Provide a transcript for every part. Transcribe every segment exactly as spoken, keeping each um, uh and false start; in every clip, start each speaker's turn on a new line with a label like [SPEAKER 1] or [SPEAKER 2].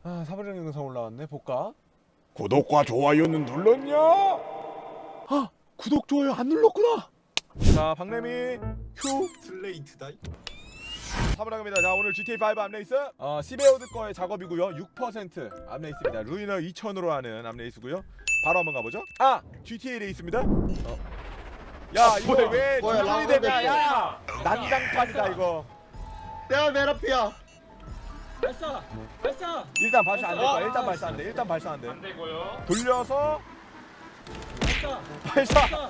[SPEAKER 1] 아, 사부령 영상 올라왔네. 볼까?
[SPEAKER 2] 구독과 좋아요는 눌렀냐?
[SPEAKER 1] 아, 구독 좋아요 안 눌렀구나. 자, 박래미 휴
[SPEAKER 3] 슬레이트다.
[SPEAKER 1] 사부령입니다. 자, 오늘 지티에이 파이브 암레이스 어, 시베오드 거의 작업이고요. 육 퍼센트 암레이스입니다. 루이너 이천으로 하는 암레이스고요. 바로 한번 가보죠. 아, 지티에이 레이스입니다. 어. 야, 이거
[SPEAKER 3] 뭐야,
[SPEAKER 1] 왜
[SPEAKER 3] 뭐야,
[SPEAKER 1] 주문이
[SPEAKER 3] 라운드
[SPEAKER 1] 되냐?
[SPEAKER 3] 됐어.
[SPEAKER 1] 야, 난장판이다 이거.
[SPEAKER 3] 내가 메라피야.
[SPEAKER 4] 발사! 발사!
[SPEAKER 1] 일단 발사 안 될 거야.
[SPEAKER 4] 아,
[SPEAKER 1] 일단
[SPEAKER 4] 아,
[SPEAKER 1] 발사 안 돼. 일단 발사 안 돼.
[SPEAKER 5] 안 되고요.
[SPEAKER 1] 돌려서
[SPEAKER 4] 발사!
[SPEAKER 1] 발사.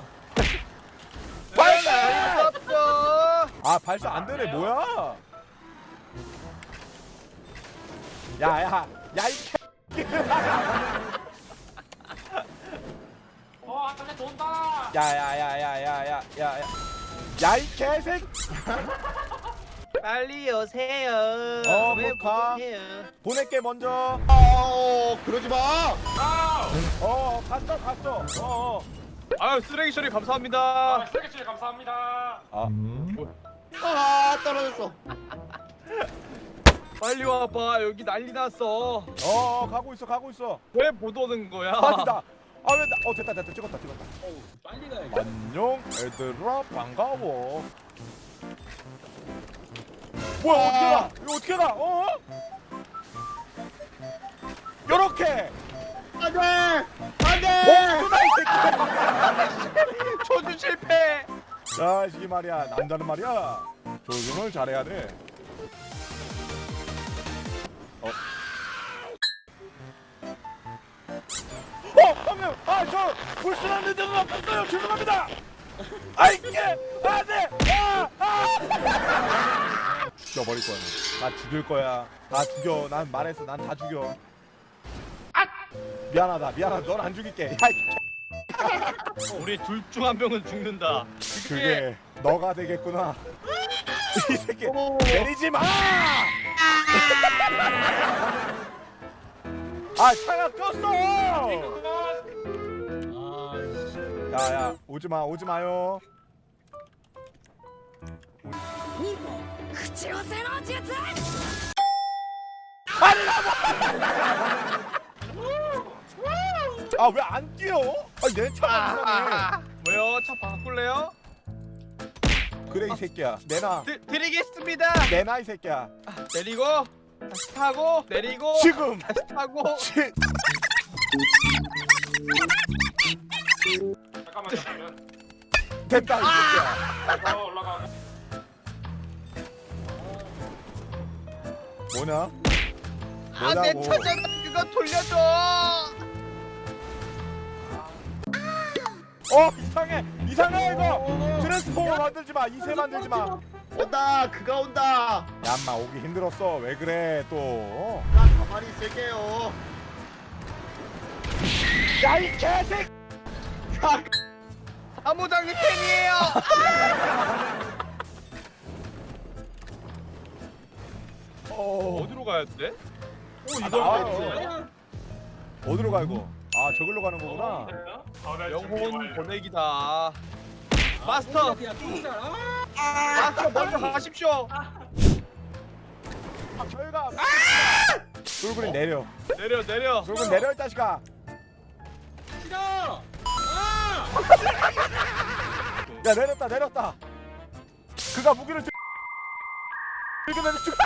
[SPEAKER 4] 발사!
[SPEAKER 1] 발사! 아, 발사 안 되네. 뭐야? 야, 야, 야, 이 개.
[SPEAKER 5] 어, 한대 돈다.
[SPEAKER 1] 야, 야, 야, 야, 야, 야, 야, 야. 야, 이 개새끼.
[SPEAKER 6] 빨리 오세요.
[SPEAKER 1] 어,
[SPEAKER 6] 왜
[SPEAKER 1] 뭐 가?
[SPEAKER 6] 못해요?
[SPEAKER 1] 보낼게 먼저.
[SPEAKER 3] 어, 그러지 마.
[SPEAKER 5] 아,
[SPEAKER 1] 어, 갔어, 갔어. 어, 어.
[SPEAKER 4] 아유 쓰레기 처리
[SPEAKER 5] 아,
[SPEAKER 4] 감사합니다.
[SPEAKER 5] 쓰레기씨 감사합니다.
[SPEAKER 1] 아,
[SPEAKER 3] 아, 떨어졌어.
[SPEAKER 4] 빨리 와봐 여기 난리 났어.
[SPEAKER 1] 어, 어, 가고 있어, 가고 있어.
[SPEAKER 4] 왜 못 오는 거야?
[SPEAKER 1] 아니다. 아, 왜 나? 어, 됐다, 됐다. 찍었다, 찍었다.
[SPEAKER 4] 빨리 가야겠다.
[SPEAKER 1] 안녕, 얘들아, 반가워. 뭐야, 어떻게 가? 이거 어떻게 가? 어? 요렇게.
[SPEAKER 3] 안돼, 안돼.
[SPEAKER 1] 봉투다 이 새끼.
[SPEAKER 4] 초주 실패.
[SPEAKER 1] 자, 이게 말이야. 남자는 말이야. 조준을 잘해야 돼. 어. 어, 형님. 아, 저 불순한 일들은 없었어요. 죄송합니다. 아이 게. 아, 네. 아, 아. 죽여버릴 거야. 나 죽일 거야. 다 죽여. 난 말했어. 난 다 죽여. 아! 미안하다. 미안하다. 넌 안 죽일게. 야, 이
[SPEAKER 4] 우리 둘 중 한 명은 죽는다.
[SPEAKER 1] 그게 너가 되겠구나. 이 새끼
[SPEAKER 3] 어머.
[SPEAKER 1] 내리지 마. 아, 차가 껐어. 야야, 오지 마, 오지 마요.
[SPEAKER 7] 口寄せの術
[SPEAKER 1] 아, 왜 안 뛰어? 아, 내 차가 이상해.
[SPEAKER 4] 왜요? 차 바꿀래요?
[SPEAKER 1] 그래 이 새끼야. 내놔,
[SPEAKER 4] 드, 드리겠습니다.
[SPEAKER 1] 내놔 이 새끼야.
[SPEAKER 4] 내리고 다시 타고 내리고
[SPEAKER 1] 지금.
[SPEAKER 4] 다시 타고.
[SPEAKER 1] 지,
[SPEAKER 5] 잠깐만, 잠깐만.
[SPEAKER 1] 됐다 이 새끼야.
[SPEAKER 5] 어, 올라가고.
[SPEAKER 1] 뭐냐?
[SPEAKER 4] 아내
[SPEAKER 1] 뭐냐고.
[SPEAKER 4] 차잖아. 그거 돌려줘.
[SPEAKER 1] 어, 이상해, 이상해 이거. 트랜스포머 만들지 마, 이세 만들지 마.
[SPEAKER 3] 온다, 그가 온다.
[SPEAKER 1] 야, 인마 오기 힘들었어. 왜 그래 또?
[SPEAKER 3] 나 가만히 있을게요.
[SPEAKER 1] 야, 이 개새끼.
[SPEAKER 3] 야,
[SPEAKER 4] 사무장님 팬이에요.
[SPEAKER 1] 어,
[SPEAKER 4] 어디로 가야 돼?
[SPEAKER 1] 아, 나와요. 어디로 가 이거? 아, 저길로 가는 거구나.
[SPEAKER 4] 영혼 보내기다. 마스터. 마스터 먼저 가십시오.
[SPEAKER 1] 아, 저희가 돌고리 내려.
[SPEAKER 4] 내려 내려.
[SPEAKER 1] 돌고리 내려 이 자식아.
[SPEAKER 4] 싫어.
[SPEAKER 1] 야, 내렸다, 내렸다. 그가 무기를 들. 들고 내려 죽.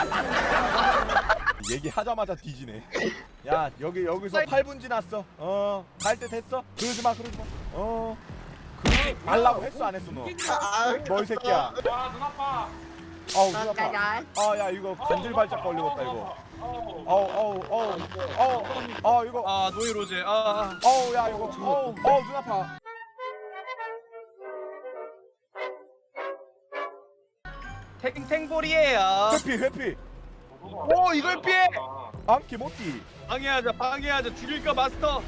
[SPEAKER 1] 얘기하자마자 뒤지네. 야, 여기 여기서 팔 분 지났어. 어, 갈 때 됐어? 그러지 마, 그러지 마. 어, 그러지 말라고 했어, 안 했어 너?
[SPEAKER 3] 아,
[SPEAKER 1] 너 이 새끼야.
[SPEAKER 5] 와, 눈 아파.
[SPEAKER 1] 아우, 눈 아파. 아, 야, 이거 관절 발작 걸리겠다 이거.
[SPEAKER 5] 어우.
[SPEAKER 1] 어우, 어우, 어우, 어우, 어우, 이거.
[SPEAKER 4] 아 노이로제. 아.
[SPEAKER 1] 어우, 야, 이거. 어우, 어우, 눈 아파.
[SPEAKER 4] 탱탱볼이에요.
[SPEAKER 1] 회피, 회피.
[SPEAKER 4] 오 이걸 피해.
[SPEAKER 1] 암키 못디.
[SPEAKER 4] 방해하자 방해하자 죽일까 마스터.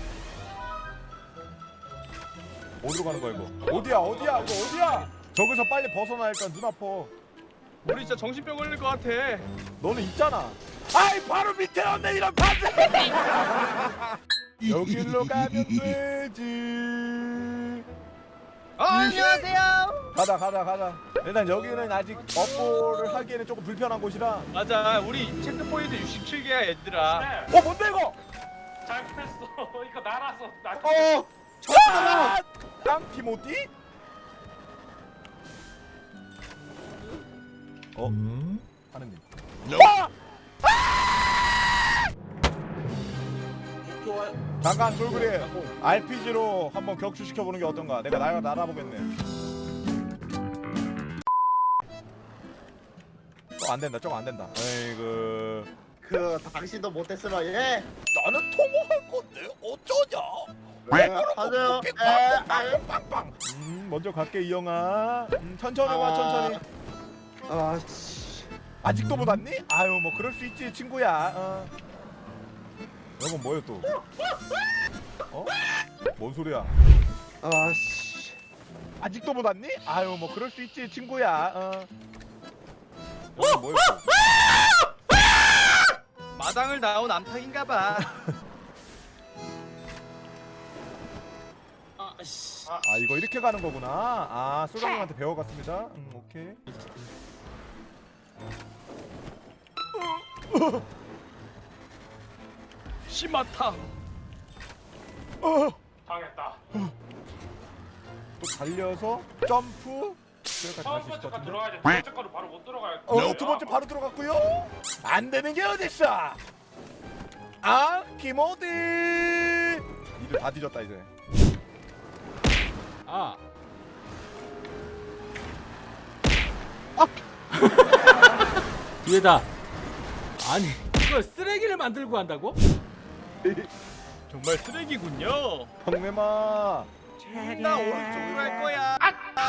[SPEAKER 1] 어디로 가는 거야 이거? 어디야, 어디야, 이거 어디야? 저기서 빨리 벗어나. 일단 눈 아파.
[SPEAKER 4] 우리 진짜 정신병 걸릴 것 같아.
[SPEAKER 1] 너는 있잖아. 아이, 바로 밑에 없네 이런 반대. 여기로 가면 되지.
[SPEAKER 4] 아, 안녕하세요.
[SPEAKER 1] 가자 가자 가자. 일단 여기는 아직 업보를 하기에는 조금 불편한 곳이라.
[SPEAKER 4] 맞아, 우리 체크포인트 육십칠 개야 얘들아.
[SPEAKER 5] 네.
[SPEAKER 1] 어 뭔데 이거?
[SPEAKER 5] 잘 뺐어. 이거 날아서 날.
[SPEAKER 3] 어
[SPEAKER 1] 아! 땅 티모티? 어? 하느님. 아! 잠깐 돌그리 알피지로 한번 격추시켜 보는 게 어떤가? 내가 날 날아보겠네. 어, 안 된다. 저거 안 된다. 에이그.
[SPEAKER 3] 그 당신도 못했으면 예
[SPEAKER 1] 나는 통화할 건데 어쩌냐?
[SPEAKER 3] 네, 맞아요. 에,
[SPEAKER 1] 빵빵. 음, 먼저 갈게 이 영아. 음, 천천히 와 천천히.
[SPEAKER 3] 아씨
[SPEAKER 1] 아직도 못 왔니? 아유 뭐 그럴 수 있지 친구야. 어. 이건 뭐예요 또? 어? 뭔 소리야?
[SPEAKER 3] 아씨
[SPEAKER 1] 아직도 못 왔니? 아유 뭐 그럴 수 있지 친구야. 어. 이건 뭐예요 또?
[SPEAKER 4] 마당을 나온 암탉인가봐.
[SPEAKER 1] 아 이거 이렇게 가는 거구나. 아 소장님한테 배워갔습니다. 음 오케이.
[SPEAKER 4] 심마타.
[SPEAKER 1] 어.
[SPEAKER 5] 당했다.
[SPEAKER 1] 또 달려서 점프. 여기까지
[SPEAKER 5] 처음
[SPEAKER 1] 갈 수 있을 것
[SPEAKER 5] 번째 거
[SPEAKER 1] 같은데.
[SPEAKER 5] 들어가야 돼. 두 번째 거로 바로 못 들어가요.
[SPEAKER 1] 어, 두 번째 바로 들어갔고요. 안 되는 게 어딨어? 아, 키모디. 이제 다 뒤졌다 이제.
[SPEAKER 6] 아. 뒤에다. 아니 이걸 쓰레기를 만들고 한다고?
[SPEAKER 4] 정말 쓰레기군요.
[SPEAKER 1] 형매마.
[SPEAKER 4] 나 오른쪽으로 할 거야.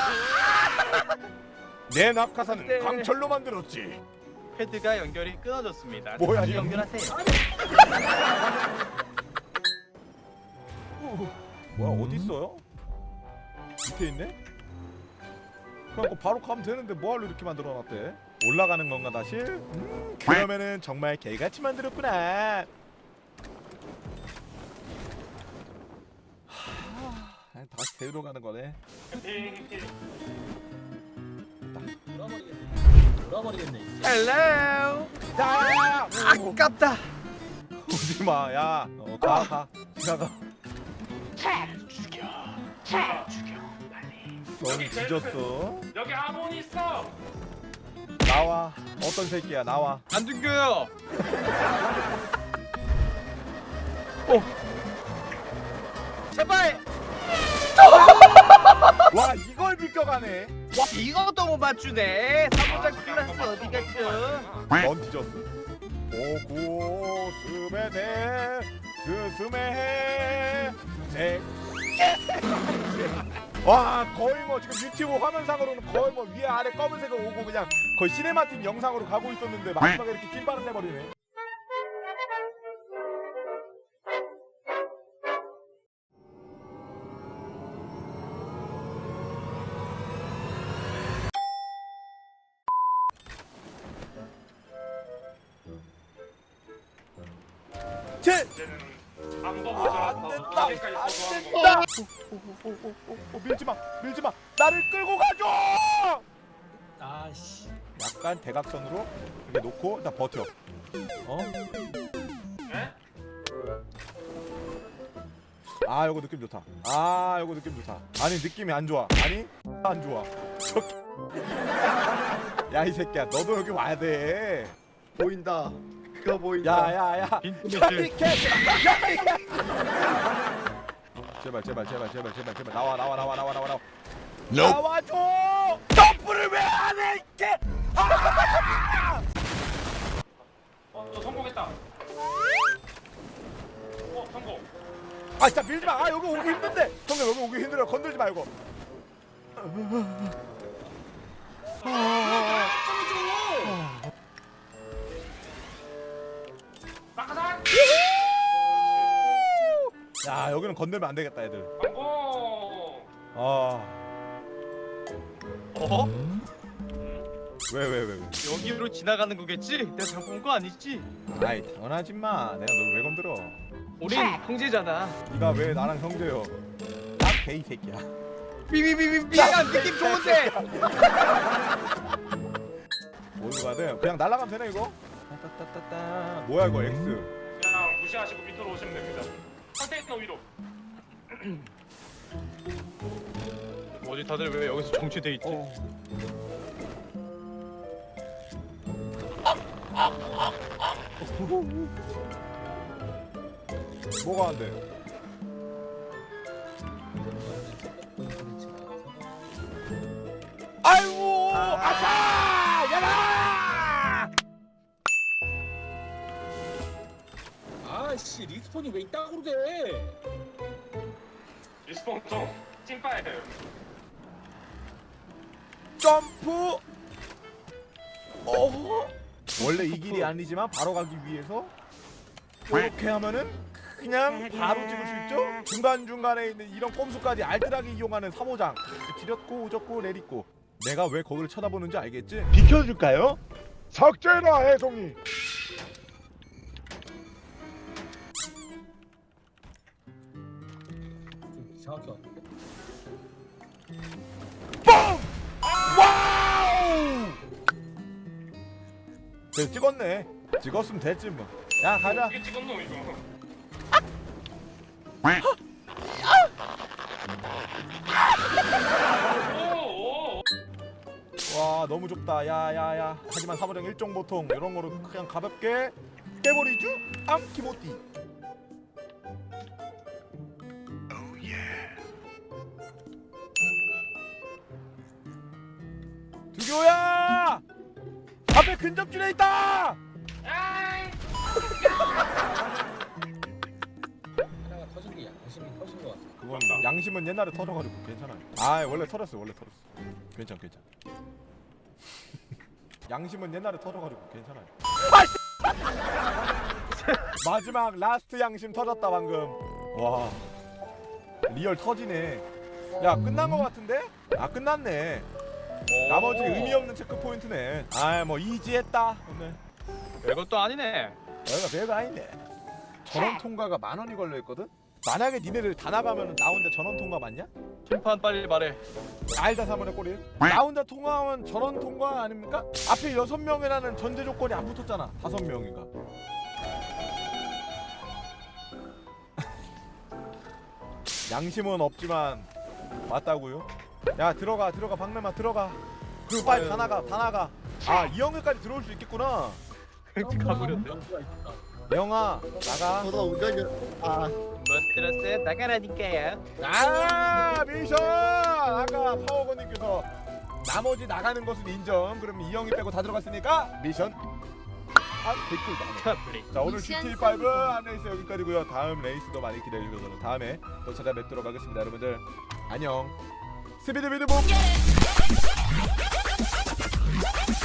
[SPEAKER 1] 내 낙하산은
[SPEAKER 4] 네.
[SPEAKER 1] 강철로 만들었지.
[SPEAKER 4] 패드가 연결이 끊어졌습니다.
[SPEAKER 1] 뭐야,
[SPEAKER 4] 다시
[SPEAKER 1] 이거?
[SPEAKER 4] 연결하세요.
[SPEAKER 1] 뭐야 어디 있어요? 밑에 있네? 그럼 바로 가면 되는데 뭐하러 이렇게 만들어놨대? 올라가는 건가 다시? 음, 그러면은 정말 개같이 만들었구나. 하, 다시 데리러 가는 거네.
[SPEAKER 6] 돌아버리겠네. 돌아버리겠네. 진짜.
[SPEAKER 4] 헬로.
[SPEAKER 1] 자,
[SPEAKER 4] 아깝다.
[SPEAKER 1] 오지 마, 야, 어, 가, 가, 지나가. 넌 뒤졌어.
[SPEAKER 5] 여기 아몬 있어.
[SPEAKER 1] 나와. 어떤 새끼야, 나와.
[SPEAKER 4] 안 죽여요. 제발.
[SPEAKER 1] 와, 이걸 비껴가네.
[SPEAKER 4] 와, 이것도 못 맞추네. 사무장 클래스 어디 갔죠?
[SPEAKER 1] 넌 뒤졌어. 오구 스메데 스스메 세. 와 거의 뭐 지금 유튜브 화면상으로는 거의 뭐 위에 아래 검은색을 오고 그냥 거의 시네마틱 영상으로 가고 있었는데 마지막에 이렇게 찐바람 내버리네. 제
[SPEAKER 5] 이제는 안보
[SPEAKER 1] 아, 안
[SPEAKER 5] 보자.
[SPEAKER 1] 된다. 안
[SPEAKER 5] 여기까지
[SPEAKER 1] 된다. 오오오오오 밀지 마. 밀지 마. 나를 끌고 가줘.
[SPEAKER 6] 아씨.
[SPEAKER 1] 약간 대각선으로 이렇게 놓고 일단 버텨. 어?
[SPEAKER 5] 예?
[SPEAKER 1] 아, 요거 느낌 좋다. 아, 요거 느낌 좋다. 아니, 느낌이 안 좋아. 아니, 안 좋아. 저... 야, 이 새끼야. 너도 여기 와야 돼.
[SPEAKER 3] 보인다 그거 보인다
[SPEAKER 1] 야, 야, 야.
[SPEAKER 4] 빈틈의
[SPEAKER 1] 야,
[SPEAKER 4] 길.
[SPEAKER 1] 이 개새끼야. 야, 이 개. 제발, 제발, 제발, 제발, 제발, 제발. 나와, 나와, 나와, 나와, 나와, 나와. 나와줘! 점프를 왜 안 해, 이 개!
[SPEAKER 5] 어, 너 성공했다. 어, 성공.
[SPEAKER 1] 아, 진짜 밀지 마. 아, 여기 오기 힘든데. 형님, 여기 오기 힘들어. 건들지 말고.
[SPEAKER 5] 낙하산.
[SPEAKER 1] 야, 여기는 건들면 안 되겠다, 애들.
[SPEAKER 5] 성공.
[SPEAKER 1] 아,
[SPEAKER 4] 어?
[SPEAKER 1] 왜, 왜, 왜, 왜?
[SPEAKER 4] 여기로 지나가는 거겠지? 내가 잘못 본 거 아니지?
[SPEAKER 1] 아이, 당연하지 마. 내가 널 왜 건드려?
[SPEAKER 4] 우린 형제잖아.
[SPEAKER 1] 네가 왜 나랑 형제여? 딱 개 이 새끼야.
[SPEAKER 4] 비비비비비가 느낌 좋은데.
[SPEAKER 1] 어디로 가든 그냥 날아가면 되네 이거. 따따따따. 뭐야 이거 X.
[SPEAKER 5] 그냥 무시하시고 밑으로 오시면 됩니다. 컨테이너 위로.
[SPEAKER 4] 어디 다들 왜 여기서 정치돼 있지?
[SPEAKER 1] 어. 뭐가 안 돼? 아이고! 아싸! 야라!
[SPEAKER 6] 아씨 리스폰이 왜 이따구로 돼?
[SPEAKER 5] 리스폰 좀 찐빠예요.
[SPEAKER 1] 점프! 어? 원래 이 길이 아니지만 바로 가기 위해서 이렇게 하면은 그냥 바로 찍을 수 있죠? 중간중간에 있는 이런 꼼수까지 알뜰하게 이용하는 사모장. 지렸고 오졌고 내리고. 내가 왜 거기를 쳐다보는지 알겠지?
[SPEAKER 2] 비켜줄까요? 삭제라 해송이.
[SPEAKER 6] 좀 이상하게 왔는데.
[SPEAKER 1] 와우! 그래 찍었네. 찍었으면 됐지 뭐. 야 가자.
[SPEAKER 5] 어떻게 찍었노 이거? 오, 오.
[SPEAKER 1] 와 너무 좁다. 야야야. 하지만 사모장 일종 보통 이런 거로 그냥 가볍게 깨버리죠? 암키모띠. 두교야! 앞에 근접줄에 있다!
[SPEAKER 5] 아이.
[SPEAKER 6] 하나가 터진 게 양심이 터진 것 같아.
[SPEAKER 1] 그건 양심은 옛날에 터져가지고 괜찮아요. 아 원래 터졌어 원래 터졌어. 괜찮 괜찮. 양심은 옛날에 터져가지고 괜찮아요. 마지막 라스트 양심 터졌다 방금. 와 리얼 터지네. 야 끝난 거 같은데? 아 끝났네. 나머지 의미 없는 체크 포인트네. 아 뭐 이지했다 오늘.
[SPEAKER 4] 별것도 아니네.
[SPEAKER 1] 여기가 별거 아닌데. 전원 통과가 만 원이 걸려 있거든. 만약에 니네들 다 나가면 나 혼자 전원 통과 맞냐?
[SPEAKER 4] 심판 빨리 말해.
[SPEAKER 1] 알다 사모의 꼬리. 나 혼자 통과하면 전원 통과 아닙니까? 앞에 여섯 명이라는 전제 조건이 안 붙었잖아. 다섯 명인가. 양심은 없지만 맞다고요? 야 들어가 들어가 박래마 들어가. 그리고 빨리 다 나가 다 나가. 아 이 형들까지 들어올 수 있겠구나.
[SPEAKER 4] 가버렸네.
[SPEAKER 1] 영아 나가.
[SPEAKER 3] 저도 운전이 아
[SPEAKER 4] 못 들었어요? 나가라니까요.
[SPEAKER 1] 아 미션 아까 파워건님께서 나머지 나가는 것은 인정. 그럼 이 형이 빼고 다 들어갔으니까 미션 아 댓글도. 자 오늘 지티에이 오 안레이스 여기까지고요. 다음 레이스도 많이 기대해주셔서 다음에 또 찾아뵙도록 하겠습니다. 여러분들 안녕. 스비드비드복.